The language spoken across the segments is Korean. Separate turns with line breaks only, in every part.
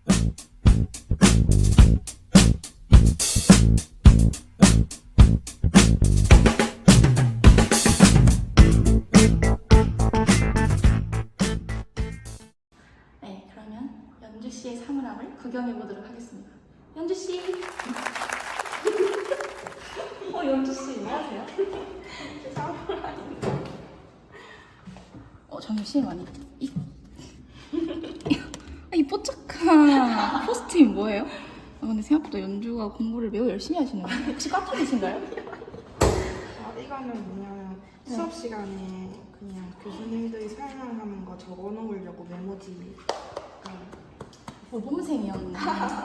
네, 그러면 연주 씨의 사물함을 구경해 보도록 하겠습니다. 연주 씨. 연주 씨 안녕하세요. 사물함인데. 잠시만요. 이 뽀짝한 포스트잇 뭐예요? 근데 생각보다 연주가 공부를 매우 열심히 하시네요. 혹시 과토기신가요?
이거는 뭐냐면 수업 시간에 그냥 교수님들이 설명하는 거 적어 놓으려고 메모지.
모범생이었네.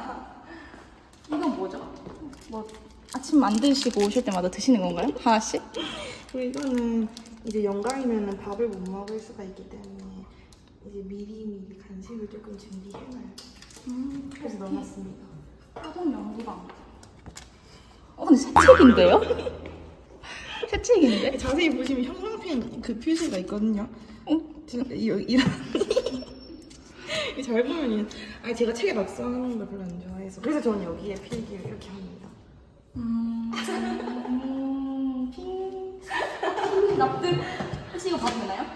이건 뭐죠? 아침 안 드시고 오실 때마다 드시는 건가요? 하나씩?
그리고 이거는 이제 영광이면은 밥을 못 먹을 수가 있기 때문에 이제 미리 간식을 조금 준비해놔요. 그래서 넣어놨습니다.
화동 연구방. 근데 새 책인데요? 새 책인데?
자세히 보시면 형광펜 그 표시가 있거든요. 이런 잘 보면 제가 책에 낙서하는 걸 별로 안 좋아해서 그래서 저는 여기에 필기를 이렇게 합니다.
핑 납득. 혹시 이거 봐도 되나요?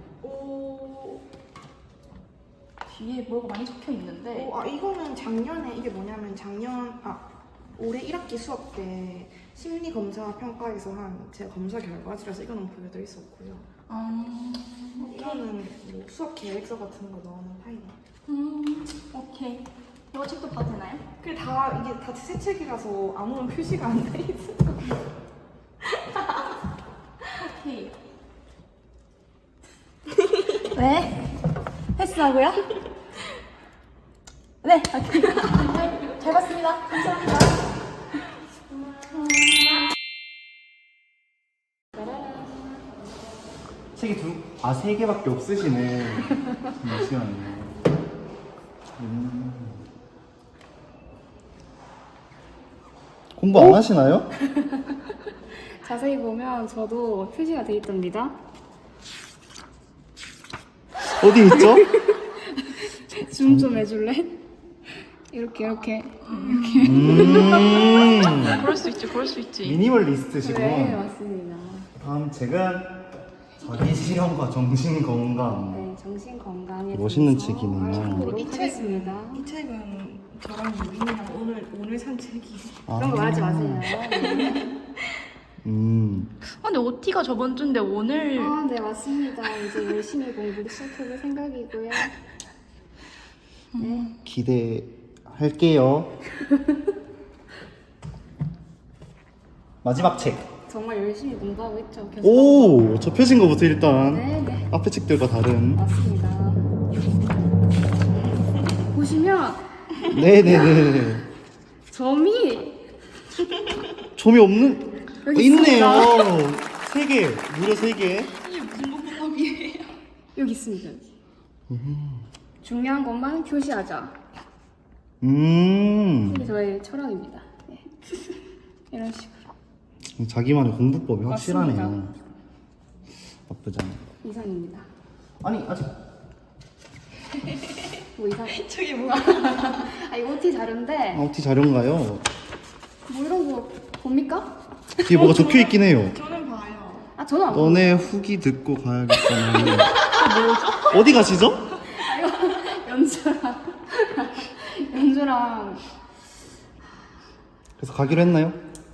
뒤에 뭐가 많이 적혀 있는데.
이거는 작년에 이게 뭐냐면 올해 1학기 수업 때 심리 검사 평가에서 한 제 검사 결과지라서 이거는 보여드릴 수 없고요. 이거는 뭐 수업 계획서 같은 거 넣어놓은 파일이에요.
오케이. 이거 책도 봐도 되나요?
이게 다 새 책이라서 아무런 표시가 안 돼 있어요.
오케이. 네. 패스하고요? 네. 오케이. 잘 봤습니다. 감사합니다.
책이 세 개밖에 없으시네. 잠시만요. 공부 안 하시나요?
자세히 보면 저도 표시가 돼 있답니다.
어디 있죠?
줌 좀 해줄래? 이렇게.
그럴 수 있지.
미니멀리스트시고.
네, 맞습니다.
다음 책은 자기실현과 정신건강.
네, 정신 건강에
멋있는
대해서
책이네요.
알아보도록 하겠습니다.
이 책은 저랑 유빈이랑 오늘 산 책이에요.
그런 거 말하지 마세요. 네.
근데 OT가 저번 주인데 오늘.
네, 맞습니다. 이제 열심히 공부를 시작해볼 생각이고요. 네.
기대할게요. 마지막 책.
정말 열심히 공부하고 있죠.
오, 접혀진 거부터 일단
네.
앞에 책들과 다른.
맞습니다. 보시면
네네네.
점이
점이 없는.
여기
있네요.
있습니다.
3개, 무려 3개.
이게 무슨 문법이에요?
여기 있습니다. 중요한 것만 표시하자. 이게 저의 철학입니다. 네. 이런 식으로.
자기만의 공부법이 확실하네요.
맞습니다.
나쁘지 않아요.
이상입니다.
아니 아직
뭐 이상?
저게 뭐야?
이거 OT 자료인데
OT 자료인가요?
뭐 이런 거 봅니까?
뒤에 뭐가 적혀 있긴 해요.
저는 봐요.
저는 안 보여요.
너네 후기 듣고 가야겠구나. 뭐죠? 어디 가시죠?
연주랑
그래서 가기로 했나요?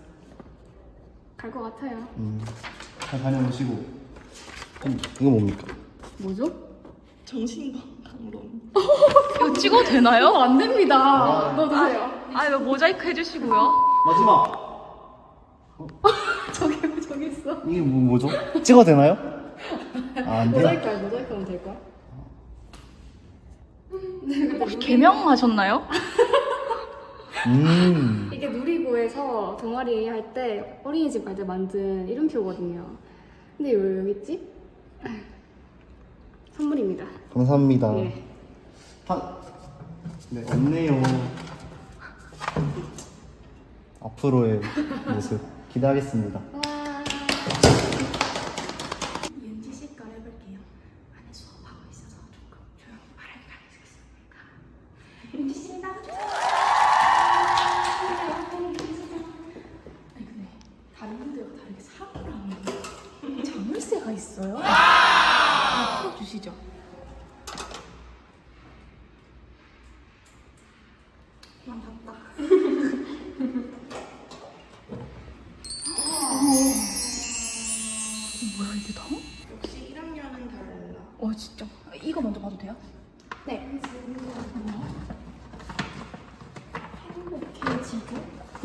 갈 것 같아요.
잘 다녀오시고. 이거 뭡니까?
뭐죠?
정신건강론.
이거 찍어도 되나요?
안 됩니다. 넣어주세요.
이거 모자이크 해주시고요.
마지막.
저기 있어.
이게 뭐죠? 찍어도 되나요? 안 돼요?
모자이크 하면 될까?
혹시 개명하셨나요?
이게 누리고에서 동아리 할 때 어린이집 갈 때 만든 이름표거든요. 근데 왜 여기 있지? 선물입니다.
감사합니다.
예.
네, 없네요. 앞으로의 모습 기대하겠습니다.
윤지 씨 걸 해볼게요. 안에 수업하고 있어서 조금 조용히 말하기가 있었으니까. 윤지 씨 아니 근데 다른 분들과 다르게 사물함에 자물쇠가 있어요? 풀어주시죠.
난 봤다.
뭐야 이게 다?
역시 1학년은 달라.
진짜. 이거 먼저 봐도 돼요?
네. 행복해지고.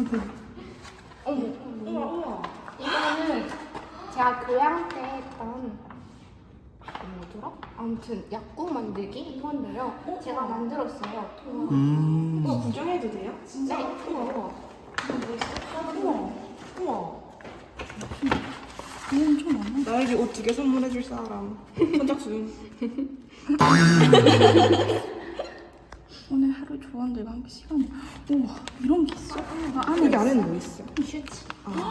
우와 우와.
이거는 제가 교양 때 했던 뭐더라? 아무튼 약국 만들기 이건데요. 제가 만들었어요.
이거 구경해도 돼요? 진짜?
네.
우와 우와. 우와 우와.
이거 엄청 많네.
나에게 옷 2개 선물해줄 사람. 선착순.
오늘 하루 조원들과 함께 시간을. 우와 이런 게 있어? 안에
여기 안에는 뭐 있어?
슈지.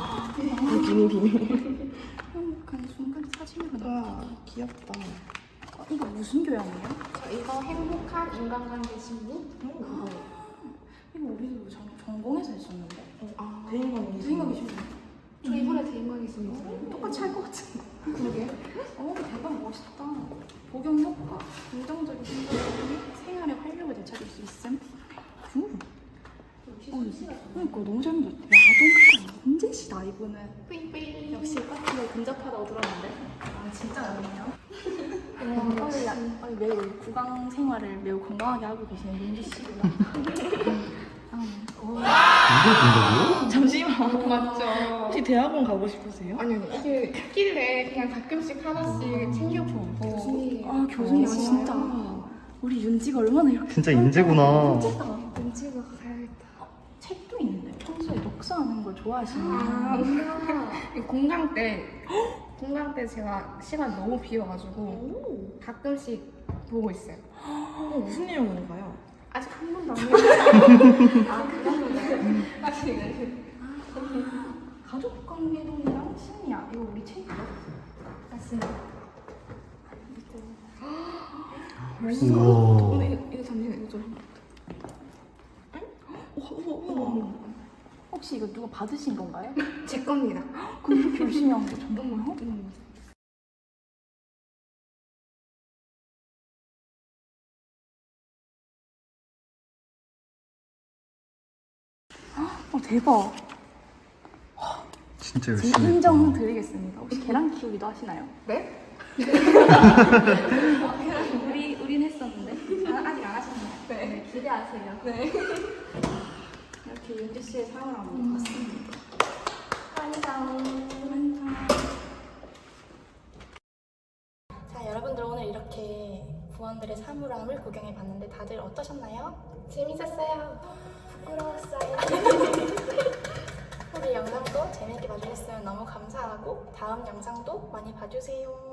비밀.
행복한 순간 사진으로 나.
와 귀엽다.
이거 무슨 교양이에요?
이거 행복한 인간관계 심리?
이거 우리도 전공에서 했었는데.
대인관계.
생각이 좀
저 이번에 대인관계 심리 들어요.
똑같이 할 것 같은데.
그러게.
대박 멋있다. 복용 효과, 긍정적인 생각이 생활의 활력을 되찾을 수 있음. 그러니까 너무 잘 만들었다. 야동 문제시다 이분은.
뿌잉뿌잉.
역시 파트너 근접하다고 들었는데. 진짜 어렵네요. 매우 구강 생활을 매우 건강하게 하고 계시는 윤지 씨구나.
이게 된다고요?
잠시만.
맞죠.
혹시 대학원 가고 싶으세요?
아니 이게 있길래 그냥 가끔씩 하나씩 챙겨보고.
아 교수님
오,
진짜. 우리 윤지가 얼마나 이렇게
진짜 인재구나.
눈치가 가야겠다.
책도 있는데 평소에 독서하는 걸 좋아하시는
아, 공강 때 제가 시간 너무 비어가지고 가끔씩 보고 있어요.
무슨 내용으로 가요?
아직 한 번도 안 해봤어요. 아, 그러면
가족 관계론이랑 심리학 이거 우리 책이요?
맞습니다.
우와.
이거 잠시만 이거 좀.
우와. 혹시 이거 누가 받으신 건가요?
제 겁니다.
그럼 이렇게 열심히 한 거 정말요? 대박.
진짜
제
열심히
인정
했다.
드리겠습니다. 혹시 계란 키우기도 하시나요?
네?
우린 했었는데.
아직 안 하셨나요? 네. 기대하세요. 네.
이렇게 윤지 씨의 사연을 한번 봤습니다.
완성.
자, 여러분들 오늘 이렇게 부원들의 사물함을 구경해 봤는데 다들 어떠셨나요?
재밌었어요.
부끄러웠어요. 우리 영상도 재밌게 봐주셨으면 너무 감사하고 다음 영상도 많이 봐주세요.